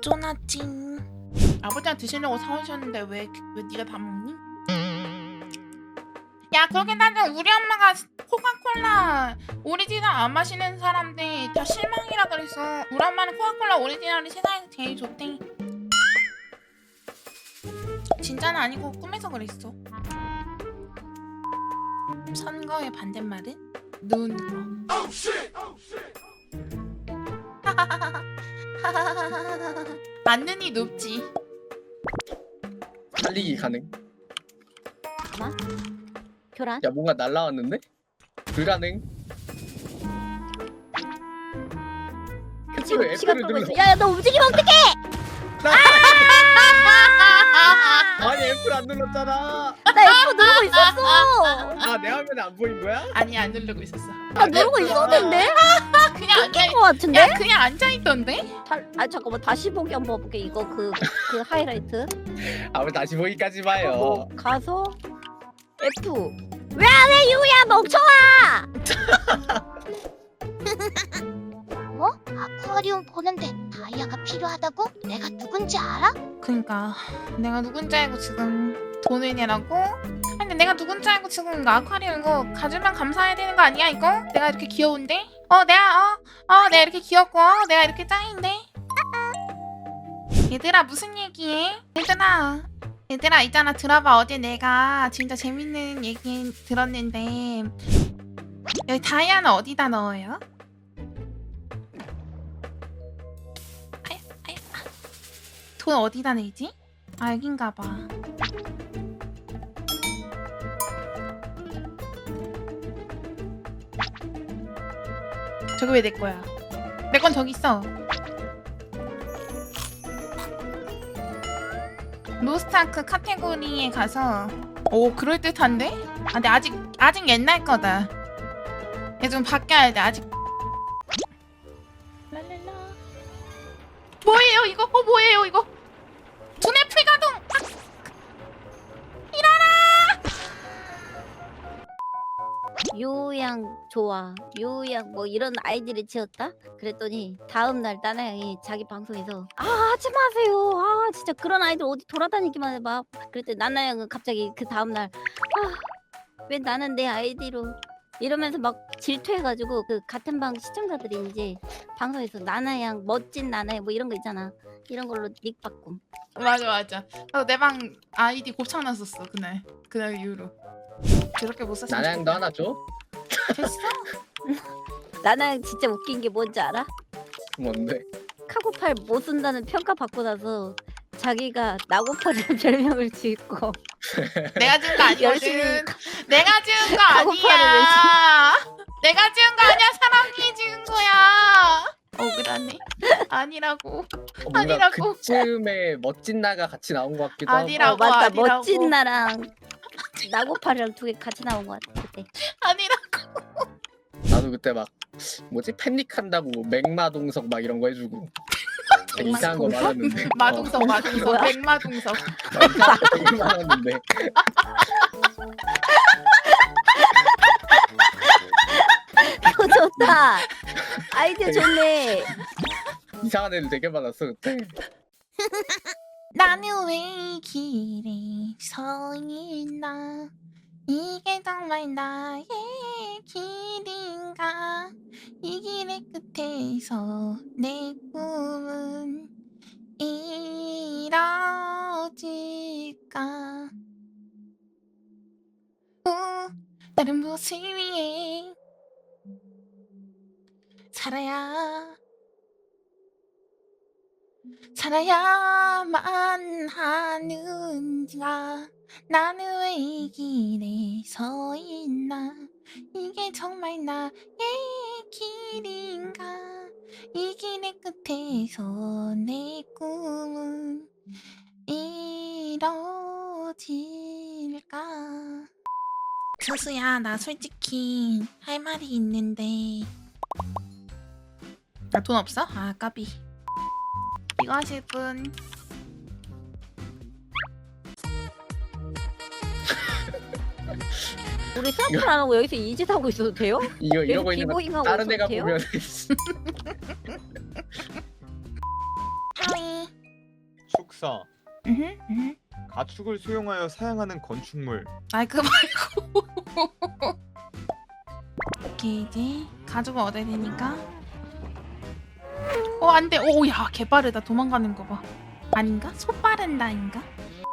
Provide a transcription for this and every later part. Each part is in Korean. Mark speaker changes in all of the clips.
Speaker 1: 쪼나찡. 아버지가 드시려고 사오셨는데 왜 네가 다 먹니? 야, 그렇게 따지면 우리 엄마가 코카콜라 오리지널 안 마시는 사람들 다 실망이라 그랬어. 우리 엄마는 코카콜라 오리지널이 세상에서 제일 좋대. 진짜는 아니고 꿈에서 그랬어. 선거의 반대말은 눈 거. 맞는이 높지.
Speaker 2: 달리기 가능.
Speaker 3: 잠깐만. 교란?
Speaker 2: 야 뭔가 날라왔는데? 불가능.
Speaker 3: 지금
Speaker 2: F를
Speaker 3: 시간 끌고
Speaker 2: 눌러.
Speaker 3: 있어. 야야 너 움직이면 어떡해?
Speaker 2: 아니 F를 안 눌렀잖아.
Speaker 3: 나 F 누르고 있었어.
Speaker 2: 아 내 화면에 안 보인 거야?
Speaker 1: 아니, 안 누르고 있었어.
Speaker 3: 나 누르고 있었는데?
Speaker 1: 그냥 앉아.
Speaker 3: 거 같은데?
Speaker 1: 야, 그냥 앉아 있던데?
Speaker 3: 아 잠깐만 다시 보기 한번 볼게. 이거 그 하이라이트.
Speaker 2: 아무 다시 보기까지 봐요.
Speaker 3: 뭐 가서 F. 왜 안 해 유야 멍청아?
Speaker 4: 뭐? 아쿠아리움 보는데 다이아가 필요하다고? 내가 누군지 알아?
Speaker 1: 그니까 내가 누군지 알고 지금 돈을 내라고? 아니, 근데 내가 누군지 알고 지금 이거 아쿠아리움 이거 가주면 감사해야 되는 거 아니야 이거? 내가 이렇게 귀여운데? 내가 이렇게 귀엽고 내가 이렇게 짱인데? 얘들아 무슨 얘기해? 얘들아 있잖아, 들어봐. 어제 내가 진짜 재밌는 얘기 들었는데 여기 다이아는 어디다 넣어요? 돈 어디다 내지? 아, 여긴가봐. 저기 왜 내 거야? 내 건 저기 있어. 로스트아크 카테고리에 가서. 오, 그럴듯한데? 아, 근데 아직 옛날 거다. 얘 좀 바뀌어야 돼. 아직. 랄랄라. 뭐예요 이거? 뭐예요 이거? 두뇌 풀가동!
Speaker 3: 요양 좋아. 요양 뭐 이런 아이디를 지었다? 그랬더니 다음날 나나양이 자기 방송에서 하지 마세요. 진짜 그런 아이들 어디 돌아다니기만 해봐. 그랬더니 나나양은 갑자기 그 다음날 왜 나는 내 아이디로 이러면서 막 질투해가지고 그 같은 방 시청자들이 이제 방송에서 나나양 멋진 나나양 뭐 이런 거 있잖아. 이런 걸로 닉 바꿈.
Speaker 1: 맞아. 내 방 아이디 곱창났었어 그날 이후로. 그렇게 못 썼으면
Speaker 2: 나냥도 하나 줘?
Speaker 1: 됐어?
Speaker 3: 나나양 진짜 웃긴 게 뭔지 알아?
Speaker 2: 뭔데?
Speaker 3: 카고팔 못 쓴다는 평가 받고 나서 자기가 나고팔이라는 별명을 짓고
Speaker 1: 내가 지은 거
Speaker 3: 열심히
Speaker 1: 아니거든. 내가 지은 거
Speaker 3: 카고팔을
Speaker 1: 아니야. 내가 지은 거 아니야. 사람이 지은 거야. 억울하네. 아니라고.
Speaker 2: 뭔가
Speaker 1: 아니라고.
Speaker 2: 그쯤에 멋진 나가 같이 나온 것 같기도 하고.
Speaker 1: 아니라고.
Speaker 3: 맞다.
Speaker 1: 아니라고.
Speaker 3: 멋진 나랑 나고팔이랑 두 개 같이 나온 것 같아 그때.
Speaker 1: 아니라고.
Speaker 2: 나도 그때 막 뭐지 팬닉한다고 맥마동석 막 이런 거 해주고 되게 이상한 거
Speaker 3: 맥마동석?
Speaker 2: 많았는데.
Speaker 1: 마동석.
Speaker 3: 뭐야?
Speaker 1: 맥마동석.
Speaker 2: 나 이상한 거 되게 많았는데.
Speaker 3: 그거 좋다. 아이디어 좋네.
Speaker 2: 이상한 애들 되게 많았어 그때.
Speaker 1: 나는 왜 이 길에 서 있나? 이게 정말 나의 길인가? 이 길의 끝에서 내 꿈은 이뤄질까? 다른 무엇을 위해 살아야만 하는가? 나는 왜 이 길에 서 있나? 이게 정말 나의 길인가? 이 길의 끝에서 내 꿈은 이뤄질까? 수수야, 나 솔직히 할 말이 있는데. 나 돈 없어? 아, 까비. 이거 하실 분.
Speaker 3: 우리 사업을 안 하고 여기서 이 짓 하고 있어도 돼요?
Speaker 2: 이거 이러고 있는 거
Speaker 3: 비보잉하고
Speaker 2: 다른 애가
Speaker 3: 있어도 돼요?
Speaker 2: 보면
Speaker 1: 하이.
Speaker 5: 축사. 가축을 수용하여 사용하는 건축물.
Speaker 1: 아이 그 말고. 오케이 이제 가죽을 얻어야 되니까. 안돼. 오야 개빠르다. 도망가는 거 봐. 아닌가? 소 빠른다인가?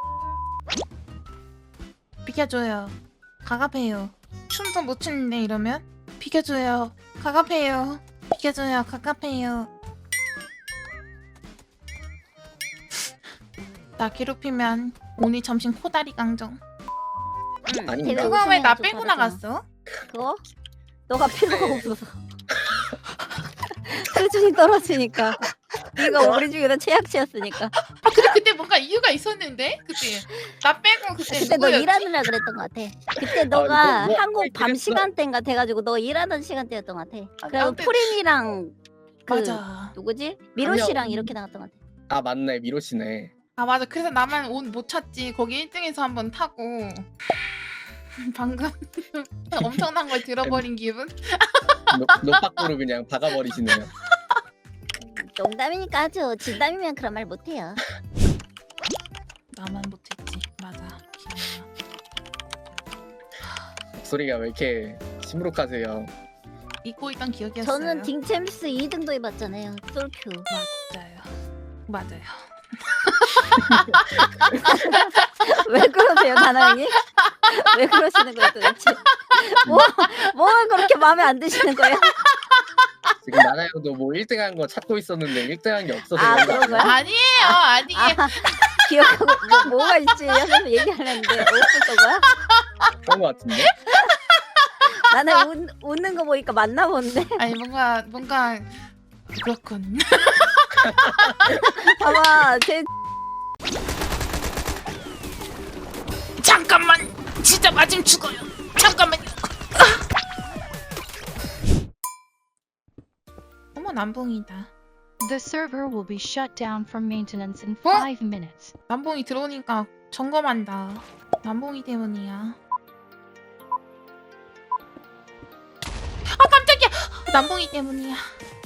Speaker 1: 비켜줘요. 가갑해요. 춤도 못 추는데 이러면? 비켜줘요. 가갑해요. 비켜줘요. 가갑해요. 나 괴롭히면 오늘 점심 코다리 강정.
Speaker 2: 아닌가?
Speaker 1: 그거 왜 나
Speaker 3: 좀
Speaker 1: 빼고
Speaker 3: 다르잖아.
Speaker 1: 나갔어?
Speaker 3: 그거? 너가 필요가 없어서. 수준이 떨어지니까. 네가 우리 중에서 최악치였으니까.
Speaker 1: 아 근데 그때 뭔가 이유가 있었는데? 그때 나 빼고 그때
Speaker 3: 그때 너
Speaker 1: 누구였지?
Speaker 3: 일하느라 그랬던 것 같아. 그때 너가
Speaker 2: 뭐
Speaker 3: 한국 밤
Speaker 2: 그랬어?
Speaker 3: 시간대인가 돼가지고 너 일하던 시간대였던 것 같아. 그리고
Speaker 1: 아무튼-
Speaker 3: 프린이랑 그
Speaker 1: 맞아.
Speaker 3: 누구지? 미로
Speaker 2: 명.
Speaker 3: 씨랑 이렇게 나갔던 것 같아.
Speaker 2: 아 맞네 미로 씨네.
Speaker 1: 아 맞아. 그래서 나만 옷 못 찾지. 거기 1등에서 한번 타고 방금 엄청난 걸 들어버린 기분?
Speaker 2: 노빠꾸로 그냥 박아버리시네요.
Speaker 3: 농담이니까 하죠. 진담이면 그런 말 못해요.
Speaker 1: 나만 못했지. 맞아. 기억나.
Speaker 2: 목소리가 왜 이렇게 시무룩하세요?
Speaker 1: 잊고 있던 기억이었어요.
Speaker 3: 저는 딩챔스 2등도 해봤잖아요. 솔큐.
Speaker 1: 맞아요. 맞아요.
Speaker 3: 왜 그러세요, 나나형이? 왜 그러시는 거예요, 도대체? 뭐가 그렇게 마음에 안 드시는 거예요?
Speaker 2: 지금 나나형도 뭐 1등한 거 찾고 있었는데 1등한 게 없어서
Speaker 3: 아,
Speaker 2: 그런 거
Speaker 3: 그런 거야?
Speaker 1: 아니에요. 아니에요.
Speaker 3: 기억하고 뭐가 있지? 하면서 얘기하려는데 없었던 거야?
Speaker 2: 그런 거 같은데?
Speaker 3: 나는 웃는 거 보니까 맞나 본데.
Speaker 1: 아니 뭔가 그렇군.
Speaker 3: 봐봐, 제
Speaker 1: 잠깐만. 진짜 맞으면 죽어요. 잠깐만요. 어머 남봉이다.
Speaker 6: The server will be shut down from maintenance in
Speaker 1: What?
Speaker 6: 5 minutes.
Speaker 1: 남봉이 들어오니까 점검한다. 남봉이 때문이야. 아 깜짝이야. 남봉이 때문이야.